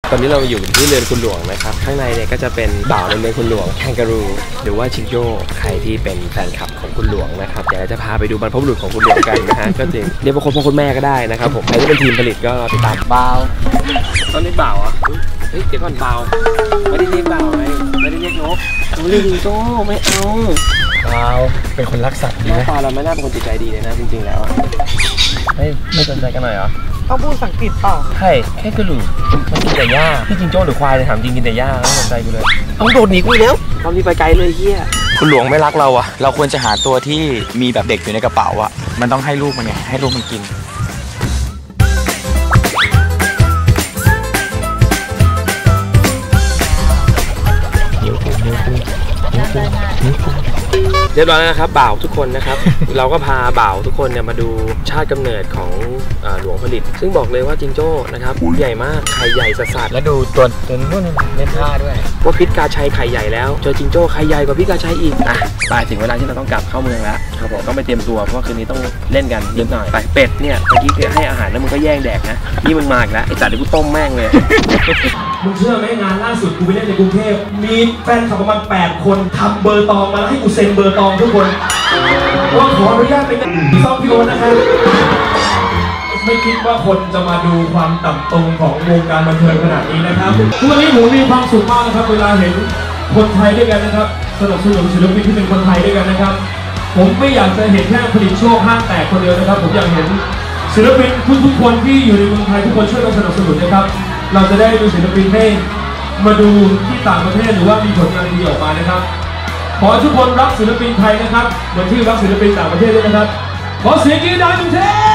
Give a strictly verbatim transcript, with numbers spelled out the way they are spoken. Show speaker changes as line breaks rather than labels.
ตอนนี้เราอยู่ที่เรือนคุณหลวงนะครับข้างในเนี่ยก็จะเป็นบ่าวในเรือนคุณหลวงแคนการูหรือว่าชิงโจ้ใครที่เป็นแฟนคลับของคุณหลวงนะครับเดี๋ยวจะพาไปดูบรรพบุรุษของคุณหลวงกันนะฮะก็จริงเรียกว่าคนพ่อคนแม่ก็ได้นะครับผมใครที่เป็นทีมผลิตก็ติดตามบ่าวตอนนี้บ่าวอ่ะเฮ้ยเดี๋ยวก่อนบ่าวไม่ได้เรียกบ่าวไงไม่ได้เรียกนกไม่ได้ยิงโจ้ไม่เอาบ่าวเป็นคนรักสัตว์ดีไหมตาเราไม่น่าเป็นคนจิตใจดีเลยนะจริงๆแล้วไม่ไม่สนใจกันหน่อยเหรอ
ต้องพูดสังกฤษเปล่า
ใช่แค่กระดูกมันกินแต่หญ้าพี่จิงโจ้หรือควายเลยถามจริงกินแต่หญ้าไม่สนใจกูเลยต้องโดดหนีกูแล้วตอนนี้ไปไกลเลยเฮีย
คุณหลวงไม่รักเราอะเราควรจะหาตัวที่มีแบบเด็กอยู่ในกระเป๋าอะมันต้องให้ลูกมันไงให้ลูกมันกิน
เรียบร้อยแล้วนะครับบ่าวทุกคนนะครับ เราก็พาบ่าวทุกคนเนี่ยมาดูชาติกำเนิดของหลวงผลิตซึ่งบอกเลยว่าจิงโจ้นะครับใหญ่มากไข่ใหญ่สัสๆแล้วดูตัวตัวนู้นเล่นท่าด้วยว่าพิษกาชัยไข่ใหญ่แล้วเจอจิงโจ้ไข่ใหญ่กว่าพิษกาชัยอีกอ่ะไปถึงเวลาที่เราต้องกลับเข้าเมืองแล้วครับผมต้องไปเตรียมตัวเพราะว่าคืนนี้ต้องเล่นกันนิดหน่อยไปเป็ดเนี่ยเมื่อกี้ให้อาหารแล้วมึงก็แย่งแดกนะนี่มึงมาอีกแล้วไอ้สัตว์เดี๋ยวกูต้มแม่งเลย
มึงเชื่อไหมงานล่าสุดกูไปเล่นในกรุงเทพมีแฟนคลับประมาณแปดคนทำเบอร์ตองมาแล้วให้กูเซ็นเบอร์ตองทุกคนว่าขออนุญาตเป็นซองพิโอนะครับไม่คิดว่าคนจะมาดูความต่ำตรงของวงการบันเทิงขนาดนี้นะครับทุกวันนี้ผมมีความสุขมากนะครับเวลาเห็นคนไทยด้วยกันนะครับสนับสนุนศิลปินที่เป็นคนไทยด้วยกันนะครับผมไม่อยากจะเห็นแค่ผลิตโชคห้างแตกคนเดียวนะครับผมอยากเห็นศิลปินทุกๆคนที่อยู่ในเมืองไทยทุกคนช่วยกันสนับสนุนนะครับเราจะได้ดูศิลปินให้มาดูที่ต่างประเทศหรือว่ามีผลงานดีออกมานะครับขอทุกคนรักศิลปินไทยนะครับเหมือนที่รักศิลปินต่างประเทศด้วยนะครับขอเสียงกรี๊ดดังหนึ่งที